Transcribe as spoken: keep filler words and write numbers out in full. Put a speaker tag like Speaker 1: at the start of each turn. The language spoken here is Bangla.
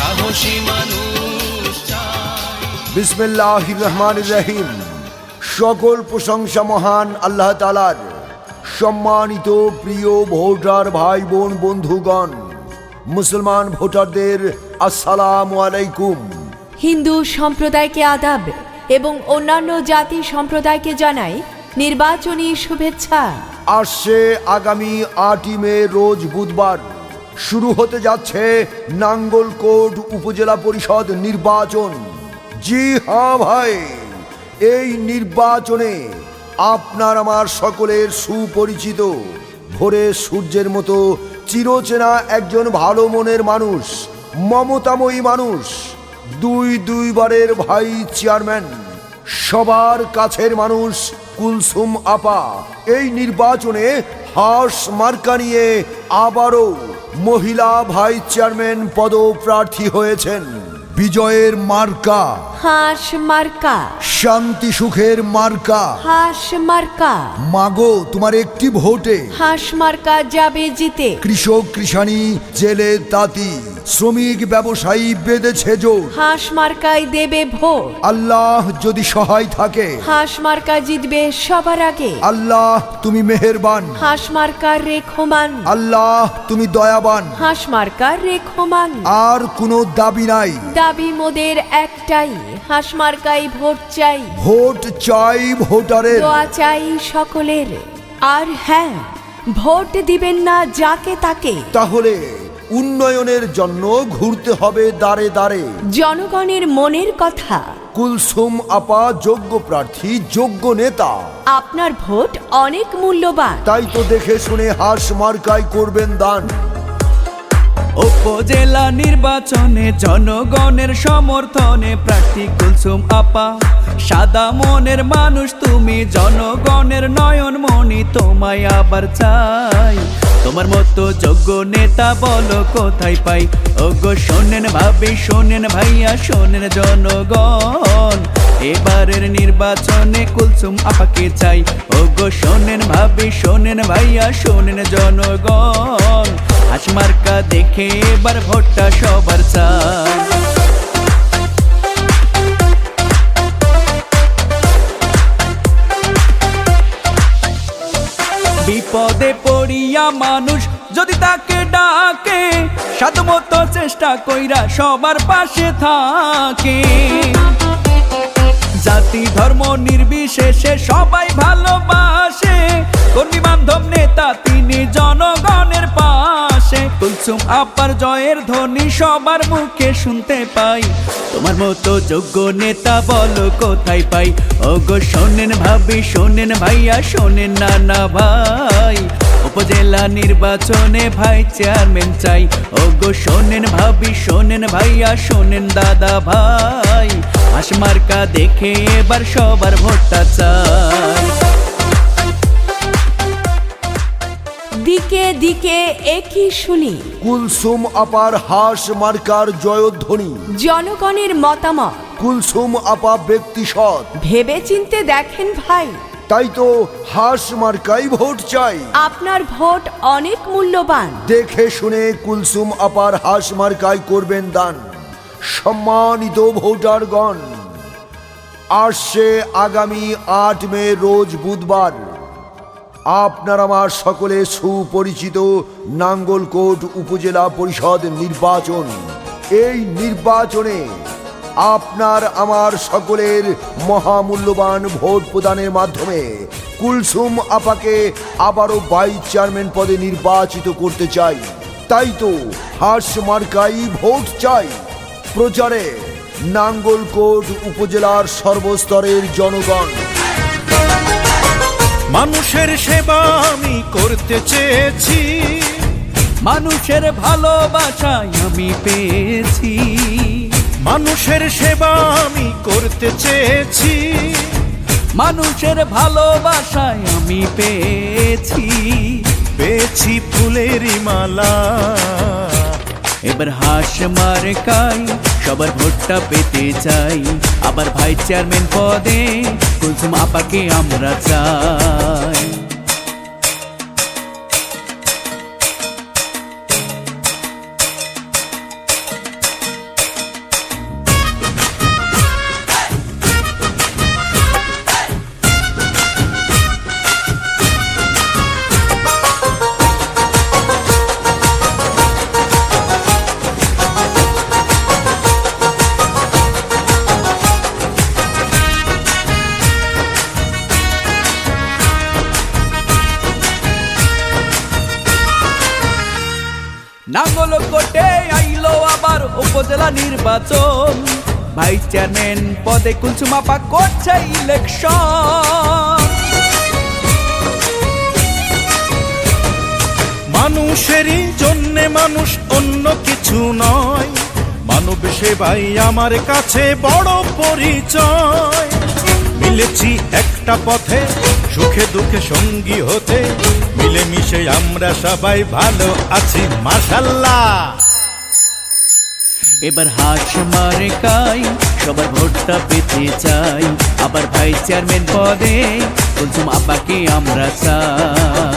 Speaker 1: সাহসী মানুষ চাই।
Speaker 2: বিসমিল্লাহির রহমানির রহিম। সকল প্রশংসা মহান আল্লাহ তাআলার। সম্মানিত প্রিয় ভোটার ভাই বোন বন্ধুগণ, মুসলমান ভোটারদের আসসালামু আলাইকুম।
Speaker 3: হিন্দু সম্প্রদায়কে আদাব এবং অন্যান্য জাতি সম্প্রদায়কে জানাই নির্বাচনী শুভেচ্ছা।
Speaker 2: আসছে আগামী আটই মে রোজ বুধবার শুরু হতে যাচ্ছে নাঙ্গলকোট উপজেলা পরিষদ নির্বাচন। জি হ্যাঁ ভাই, এই নির্বাচনে আপনার আমার সকলের সুপরিচিত ভোরে সূর্যের মতো চিরচেনা একজন ভালো মনের মানুষ, মমতাময়ী মানুষ, দুই দুইবারের ভাইস চেয়ারম্যান, সবার কাছের মানুষ কুলসুম আপা এই নির্বাচনে হাঁস মার্কা নিয়ে আবারও মহিলা ভাইস চেয়ারম্যান পদপ্রার্থী হয়েছেন। বিজয়ের মার্কা
Speaker 3: হাঁস মার্কা,
Speaker 2: শান্তি সুখের মার্কা।
Speaker 3: হাঁস মার্কা,
Speaker 2: মাগো তোমার একটি ভোটে
Speaker 3: হাঁস মার্কা যাবে জিতে।
Speaker 2: কৃষক কৃষানি জেলে তাঁতি শ্রমিক ব্যবসায়ী বেঁধেছে জোর।
Speaker 3: হাঁস মার্কায় দেবে ভোট।
Speaker 2: আল্লাহ যদি সহায় থাকে,
Speaker 3: হাঁস মার্কা জিতবে সবার আগে।
Speaker 2: আল্লাহ তুমি মেহেরবান,
Speaker 3: হাঁস মার্কার রেখমান।
Speaker 2: আল্লাহ তুমি দয়াবান।
Speaker 3: হাঁস মার্কার রেখমান।
Speaker 2: আর কোনো দাবি নাই,
Speaker 3: দাবি মোদের একটাই, হাঁস মার্কায় ভোট চাই।
Speaker 2: ভোট চাই ভোটারের,
Speaker 3: দোয়া চাই সকলের। আর হ্যাঁ, ভোট দিবেন না যাকে তাকে।
Speaker 2: তাহলে উন্নয়নের জন্য ঘুরতে হবে দাঁড়ে দাঁড়ে।
Speaker 3: জনগণের মনের কথা।
Speaker 2: কুলসুম আপা যোগ্য প্রার্থী, যোগ্য নেতা।
Speaker 3: আপনার ভোট অনেক মূল্যবান।
Speaker 2: তাই তো দেখে শুনে হাঁস মার্কায় করবেন দান।
Speaker 4: উপজেলা নির্বাচনে জনগণের সমর্থনে প্রার্থী কুলসুম আপা। সাদা মনের মানুষ তুমি, জনগণের নয়ন মণি, তোমায় আবার চাই। তোমার মতো যোগ্য নেতা বলো কোথায় পাই? ওগো শোনেন ভাবি, শোনেন ভাইয়া, শোনেন জনগণ, এবারের নির্বাচনে কুলসুম আপাকে চাই। ওগো শোনেন ভাবি, শোনেন ভাইয়া, শোনেন জনগণ, হাঁস মার্কা দেখে এবার ভোটটা সবার চাই। বিপদে পড়িয়া মানুষ যদি তাকে ডাকে, সাধ্যমতো চেষ্টা কইরা সবার পাশে থাকে। জাতি ধর্ম নির্বিশেষে সবাই ভালোবাসে, কর্মী বান্ধব নেতা তিনি জনগণের পাশে। কুলসুম আপার জয়ের ধ্বনি সবার মুখে শুনতে পাই। তোমার মতো যোগ্য নেতা বলো কোথায় পাই? ওগো শোনেন ভাবি, শোনেন ভাইয়া, শোনেন নানা ভাই, উপজেলা নির্বাচনে ভাই চেয়ারম্যান চাই। ওগো শোনেন ভাবি, শোনেন ভাইয়া, শোনেন দাদা ভাই, হাঁস মার্কা দেখে এবার সবার ভোটটা চাই।
Speaker 3: দিকে দিকে একই শুনি,
Speaker 2: কুলসুম আপার হাঁস মার্কার জয়ধ্বনি।
Speaker 3: জনগণের মতামত।
Speaker 2: কুলসুম আপা ব্যক্তি সৎ,
Speaker 3: ভেবে চিনতে দেখেন ভাই।
Speaker 2: তাই তো হাঁস মার্কাই ভোট চাই।
Speaker 3: আপনার ভোট অনেক মূল্যবান।
Speaker 2: দেখে শুনে কুলসুম আপার হাঁস মার্কায় করবেন দান। সম্মানিত ভোটারগণ, আসছে আগামী আট মে রোজ বুধবার আপনার আমার সকলে সুপরিচিত নাঙ্গলকোট উপজেলা পরিষদ নির্বাচন। এই নির্বাচনে আপনার আমার সকলের মহামূল্যবান ভোট প্রদানের মাধ্যমে কুলসুম আপাকে আবারও ভাইস চেয়ারম্যান পদে নির্বাচিত করতে চাই। তাই তো হাঁস মার্কাই ভোট চাই। প্রচারে নাঙ্গলকোট উপজেলার সর্বস্তরের জনগণ।
Speaker 5: মানুষের সেবা আমি করতে চেয়েছি,
Speaker 4: মানুষের ভালোবাসায় আমি পেয়েছি।
Speaker 5: মানুষের সেবা আমি করতে চেয়েছি,
Speaker 4: মানুষের ভালোবাসায় আমি পেয়েছি।
Speaker 5: পেয়েছি ফুলেরই মালা,
Speaker 4: এবার হাঁস মার্কায় সবার ভোটটা পেতে চাই। আবার ভাইস চেয়ারম্যান পদে কুলসুম আপাকে আমরা চাই। উপজেলা নির্বাচন, ভাইস চেয়ারম্যান পদে কুলসুম আপা করছে ইলেকশন।
Speaker 5: মানুষেরই জন্যে মানুষ, অন্য কিছু নয়। মানব সেবাই আমার কাছে বড় পরিচয়। মিলেছি একটা পথে, সুখে দুঃখে সঙ্গী হতে, মিলেমিশে আমরা সবাই ভালো আছি মাশাআল্লাহ।
Speaker 4: এবার হাত মারে কাই সবার ভোটটা পেতে চাই, আবার ভাইস চেয়ারম্যান পদে কুলসুম আপাকে আমরা চাই।